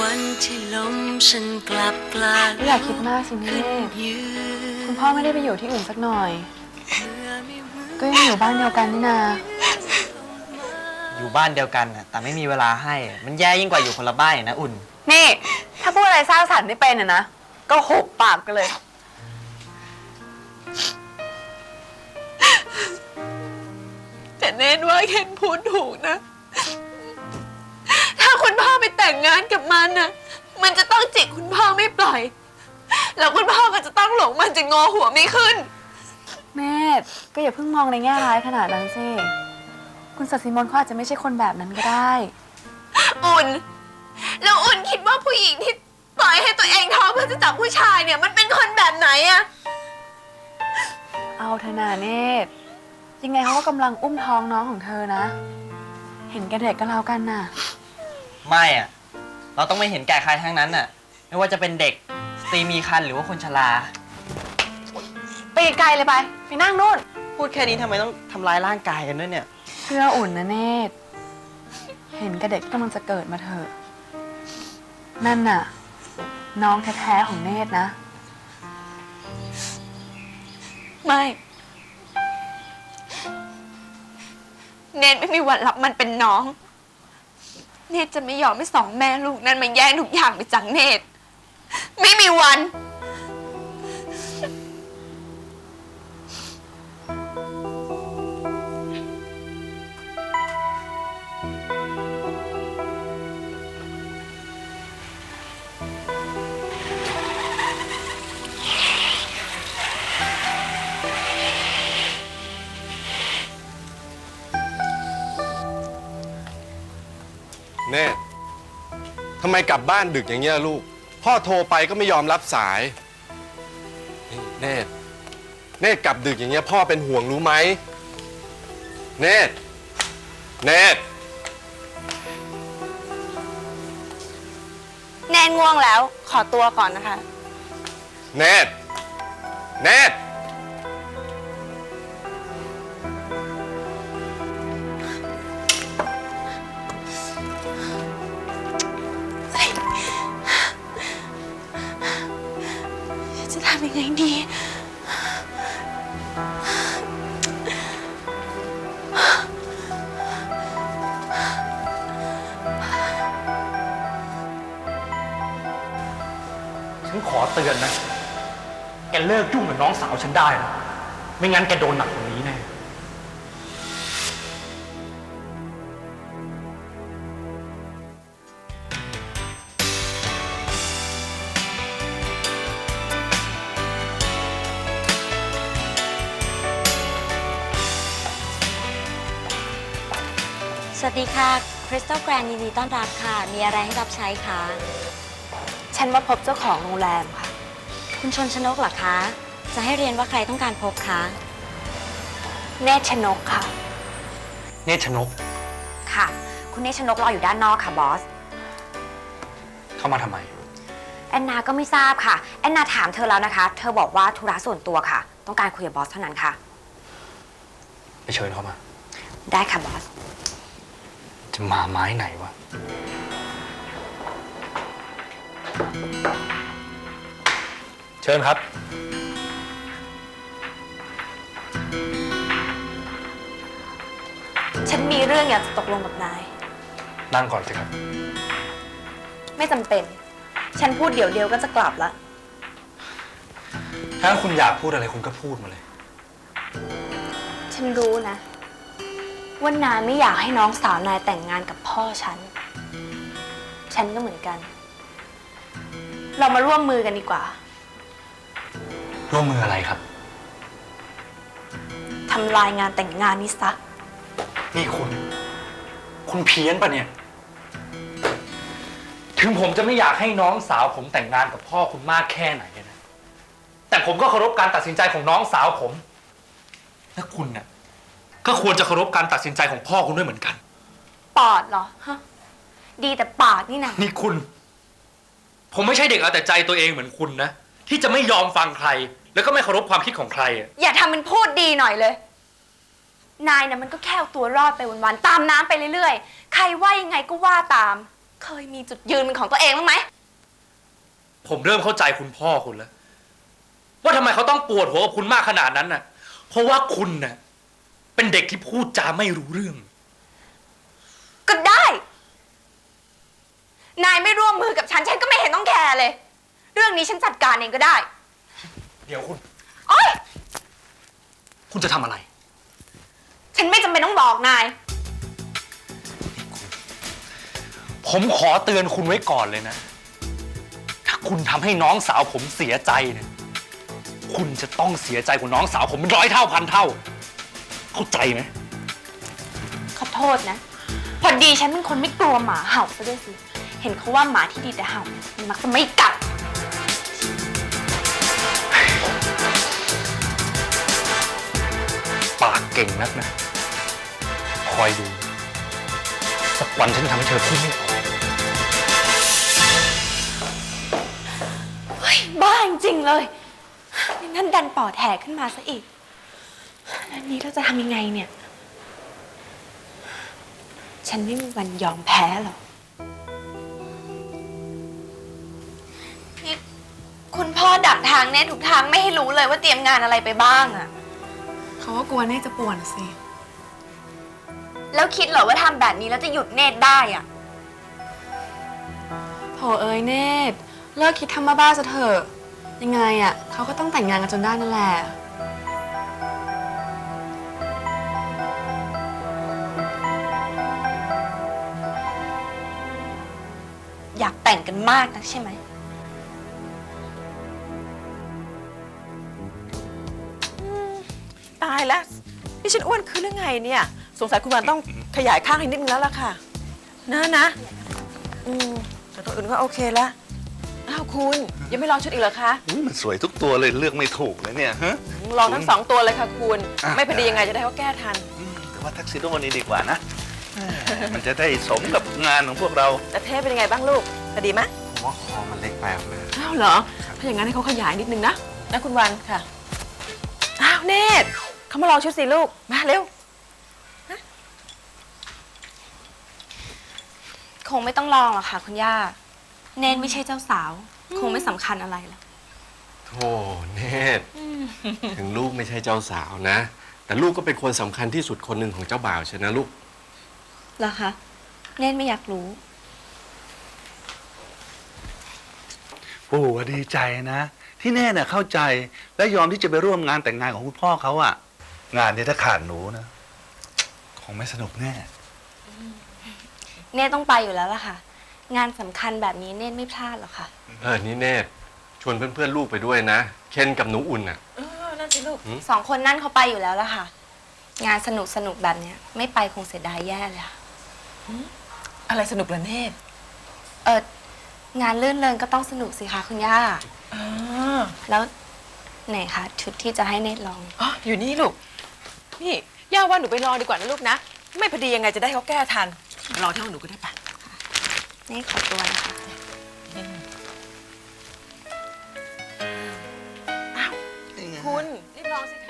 วันที่ลมฉันกลับกลายอย่าคิดมากสิเมธคุณพ่อไม่ได้ไปอยู่ที่อื่นสักหน่อยก็ยังอยู่บ้านเดียวกันนี่นาอยู่บ้านเดียวกันน่ะแต่ไม่มีเวลาให้มันแย่ยิ่งกว่าอยู่คนละบ้านนะอุ่นนี่ถ้าพูดอะไรสร้างสรรค์ไม่เป็นนะก็หุบปากกันเลยแต่เนตว่าเคนพูดถูกนะถ้าคุณพ่อไปแต่งงานกับมันน่ะมันจะต้องจิกคุณพ่อไม่ปล่อยแล้วคุณพ่อก็จะต้องหลงมันจะงอหัวไม่ขึ้นเมธก็อย่าเพิ่งมองในแง่ร้ายขนาดนั้นสิคุณศศิมนเขาอาจจะไม่ใช่คนแบบนั้นก็ได้อุ่นแล้วอุ่นคิดว่าผู้หญิงที่ปล่อยให้ตัวเองท้องเพื่อจะจับผู้ชายเนี่ยมันเป็นคนแบบไหนอะเอาเถอะนาเนตยังไงเขาก็กำลังอุ้มท้องน้องของเธอนะเห็นแก่เด็กก็แล้วกันน่ะไม่อะเราต้องไม่เห็นแก่ใครทั้งนั้นน่ะไม่ว่าจะเป็นเด็กสตรีมีครรภ์หรือว่าคนชราไปไกลเลยไปนั่งนู่นพูดแค่นี้ทำไมต้องทำร้ายร่างกายกันด้วยเนี่ยเชื่ออุ่นนะเนตเห็นแก่เด็กที่กำลังจะเกิดมาเถอะนั่นน่ะน้องแท้ๆของเนตนะไม่เนตไม่มีวันรับมันเป็นน้องเนตจะไม่ยอมให้สองแม่ลูกนั้นมาแย่งทุกอย่างไปจากเนตไม่มีวันเนตทำไมกลับบ้านดึกอย่างเงี้ยลูกพ่อโทรไปก็ไม่ยอมรับสายเนตกลับดึกอย่างเงี้ยพ่อเป็นห่วงรู้ไหมเนตแนนง่วงแล้วขอตัวก่อนนะคะเนตจะทำยังไงดีฉันขอเตือนนะแกเลิกยุ่งกับน้องสาวฉันได้นะไม่งั้นแกโดนหนักกว่านี้แน่สวัสดีค่ะคริสตัลแกรนด์ยินดีต้อนรับค่ะมีอะไรให้รับใช้คะฉันมาพบเจ้าของโรงแรมค่ะคุณชนชนกเหรอคะจะให้เรียนว่าใครต้องการพบคะเนตรชนกค่ะเนตรชนกค่ะคุณเนตรชนกรออยู่ด้านนอกค่ะบอสเข้ามาทำไมแอนนาก็ไม่ทราบค่ะแอนนาถามเธอแล้วนะคะเธอบอกว่าธุระส่วนตัวค่ะต้องการคุยกับบอสเท่านั้นค่ะไปเชิญเขามาได้ค่ะบอสจะมาไม้ไหนวะเชิญครับฉันมีเรื่องอยากจะตกลงกับนายนั่งก่อนสิครับไม่จำเป็นฉันพูดเดี๋ยวก็จะกลับละถ้าคุณอยากพูดอะไรคุณก็พูดมาเลยฉันรู้นะว่านายไม่อยากให้น้องสาวนายแต่งงานกับพ่อฉันก็เหมือนกันเรามาร่วมมือกันดีกว่าร่วมมืออะไรครับทำลายงานแต่งงานนี้ซะนี่คุณเพี้ยนปะเนี่ยถึงผมจะไม่อยากให้น้องสาวผมแต่งงานกับพ่อคุณมากแค่ไหนนะแต่ผมก็เคารพการตัดสินใจของน้องสาวผมและคุณเนี่ยก็ควรจะเคารพการตัดสินใจของพ่อคุณด้วยเหมือนกันปอดเหรอฮะดีแต่ปากนี่นะนี่ผมไม่ใช่เด็กเอาแต่ใจตัวเองเหมือนคุณนะที่จะไม่ยอมฟังใครแล้วก็ไม่เคารพความคิดของใครอย่าทำเป็นพูดดีหน่อยเลยนายนะมันก็แค่เอาตัวรอดไปวันๆตามน้ำไปเรื่อยๆใครว่ายังไงก็ว่าตามเคยมีจุดยืนเป็นของตัวเองบ้างไหมผมเริ่มเข้าใจคุณพ่อคุณแล้ว ว่าทำไมเขาต้องปวดหัวกับคุณมากขนาดนั้นน่ะ เพราะว่าคุณน่ะเป็นเด็กที่พูดจาไม่รู้เรื่องก็ได้ นายไม่ร่วมมือกับฉันก็ไม่เห็นต้องแคร์เลย เรื่องนี้ฉันจัดการเองก็ได้เดี๋ยวคุณโอ๊ยคุณจะทำอะไรฉันไม่จำเป็นต้องบอกนายผมขอเตือนคุณไว้ก่อนเลยนะ ถ้าคุณทำให้น้องสาวผมเสียใจเนี่ย คุณจะต้องเสียใจกว่าน้องสาวผมเป็น100 เท่าพันเท่า เข้าใจไหมขอโทษนะ พอดีฉันเป็นคนไม่กลัวหมาเห่าซะด้วยสิ เห็นเขาว่าหมาที่ดีแต่เห่ามันมักจะไม่กัดปากเก่งนักนะ คอยดู สักวันฉันทำให้เธอพูดไม่ออกเฮ้ย บ้าจริงๆเลยนั่นดันปอดแหกขึ้นมาซะอีกอันนี้เราจะทำยังไงเนี่ย ฉันไม่มีวันยอมแพ้หรอกนี่คุณพ่อดักทางเนตทุกทางไม่ให้รู้เลยว่าเตรียมงานอะไรไปบ้างอะเขาก็กลัวเน่จะป่วนสิแล้วคิดเหรอว่าทำแบบนี้แล้วจะหยุดเนตได้อะโถเอ้ยเนตเลิกคิดทำบ้าๆซะเถอะ ยังไงอะเขาก็ต้องแต่งงานกันจนได้นั่นแหละอยากแต่งกันมากนักใช่ไหมตายแล้วนี่ฉันอ้วนขึ้นหรือไงเนี่ย สงสัยคุณวันต้องขยายข้างให้นิดนึงแล้วล่ะค่ะนะแต่ตัวอื่นก็โอเคแล้วอ้าวคุณยังไม่ลองชุดอีกเหรอคะอุ๊ยมันสวยทุกตัวเลยเลือกไม่ถูกเลยเนี่ยฮะลองทั้ง2 ตัวเลยค่ะคุณอ่ะไม่พอดียังไงจะได้เขาแก้ทันแต่ว่าทักซิโดนี้ดีกว่านะมันจะได้สมกับงานของพวกเราแต่เทปเป็นยังไงบ้างลูกพอดีไหมผมว่าคอมันเล็กไปออกมาอ้าวเหรอถ้าอย่างนั้นให้เขาขยายนิดนึงนะคุณวันค่ะอ้าวเนตเขามาลองชุดสิลูกมาเร็วคงไม่ต้องลองหรอกค่ะคุณย่า เนตไม่ใช่เจ้าสาว คงไม่สำคัญอะไรหรอกโธ่เนตรถึงลูกไม่ใช่เจ้าสาวนะ แต่ลูกก็เป็นคนสำคัญที่สุดคนหนึ่งของเจ้าบ่าวใช่นะลูกเหรอคะ เนตไม่อยากรู้ปู่ว่าดีใจนะ ที่แน่น่ะเข้าใจและยอมที่จะไปร่วมงานแต่งงานของคุณพ่อเขาอะงานนี้ถ้าขาดหนูนะคงไม่สนุกแน่เนตต้องไปอยู่แล้วล่ะค่ะ งานสำคัญแบบนี้เนตไม่พลาดหรอกค่ะนี่เนตรชวนเพื่อนๆลูกไปด้วยนะ เคนกับหนูอุ่นอ่ะนั่นสิลูก 2 คนนั่นเขาไปอยู่แล้วล่ะค่ะ งานสนุกแบบเนี้ยไม่ไปคงเสียดายแย่เลยค่ะอะไรสนุกเหรอเนตงานลื่นเริงก็ต้องสนุกสิคะคุณย่าอ๋อแล้วไหนคะชุดที่จะให้เนตลองอ๋ออยู่นี่ลูกนี่ย่าว่าหนูไปลองดีกว่านะลูกนะไม่พอดียังไงจะได้เขาแก้ทันลองเท่าหนูก็ได้ปะเนตขอตัวนะคะคุณรีบลองสิคะ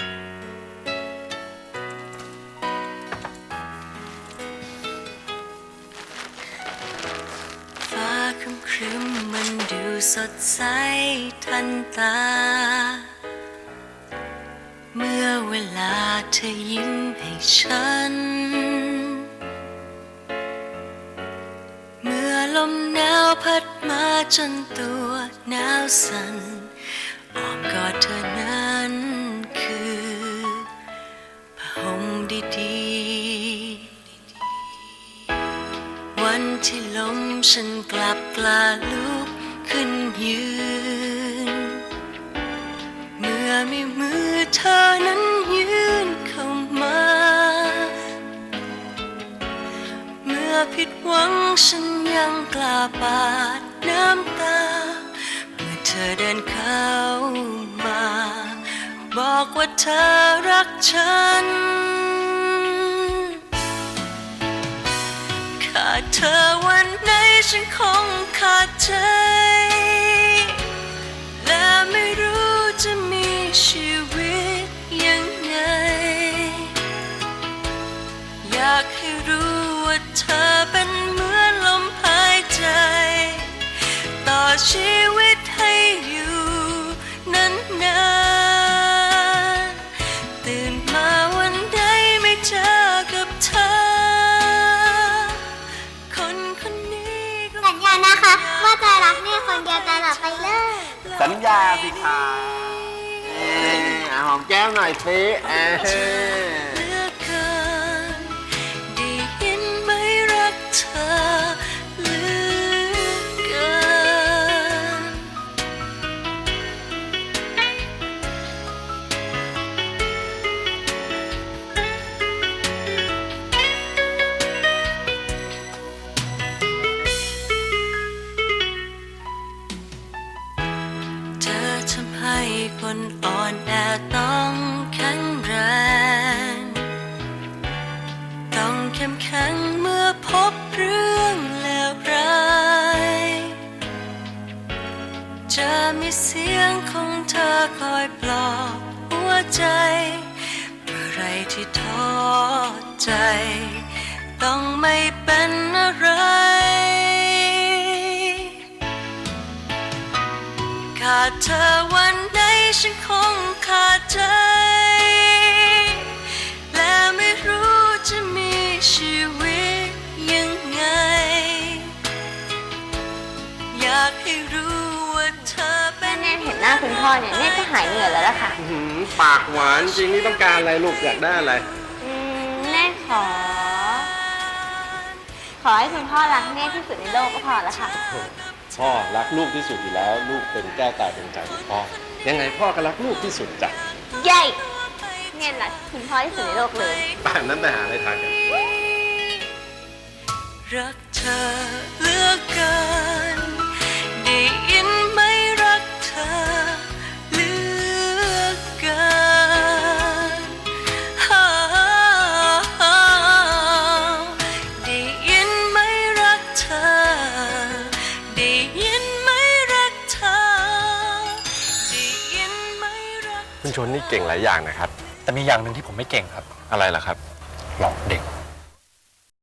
ฟ้าครึ้มๆมันดูสดใสทันตา เมื่อเวลาเธอยิ้มให้ฉัน เมื่อลมหนาวพัดมาจนตัวหนาวสั่นอ้อมกอดเธอนั้นคือผ้าห่มดีๆ วันที่ลมฉันกลับกล้าลุกขึ้นยืน เมื่อมีมือเธอนั้นยืนเข้ามา เมื่อผิดหวังฉันยังกล้าปาดน้ำตา เมื่อเธอเดินเข้ามา บอกว่าเธอรักฉัน ขาดเธอวันไหนฉันคงขาดใจ และไม่รู้จะมีชีวิตยังไง อยากให้รู้ว่าเธอเป็นเหมือนลมหายชีวิตให้อยู่นานๆตื่นมาวันใดไม่เจอกับเธอคนคนนี้ก็สัญญานะคะว่าจะรักแม่คนเดียวตลอดไปเลยสัญญาสิคะหอมแก้มหน่อยสิเหลือเกินได้ยินไหมรักเธอเหลือเกิน เธอทำให้คนอ่อนแอต้องแข็งแรง ต้องเข้มแข็งเมื่อพบเรื่องเลวร้ายจะมีเสียงของเธอคอยปลอบหัวใจเมื่อไรที่ท้อใจ ต้องไม่เป็นอะไร ขาดเธอวันใดฉันคงขาดใจ และไม่รู้จะมีชีวิตยังไง อยากให้รู้ว่าเธอเป็นแน่เห็นหน้าคุณพ่อเนี่ยแน่ก็หายเหนื่อยแล้วล่ะค่ะปากหวานจริงนี่ต้องการอะไรลูกอยากได้อะไรแน่ขอให้คุณพ่อรักแน่ที่สุดในโลกก็พอแล้วค่ะพ่อรักลูกที่สุดอยู่แล้ว ลูกเป็นแก้วตาดวงใจของพ่อ ยังไงพ่อก็รักลูกที่สุดจ้ะใหญ่แน่รักคุณพ่อที่สุดในโลกเลยป่านนั้นไปหาอะไรทานกันรักเธอเหลือเกินได้ยินไหมรักเธอเหลือเกินได้ยินไหมรักเธอได้ยินไหมรักเธอได้ยินไหมรักคุณชนนี่เก่งหลายอย่างนะครับแต่มีอย่างหนึ่งที่ผมไม่เก่งครับอะไรล่ะครับหลอกเด็ก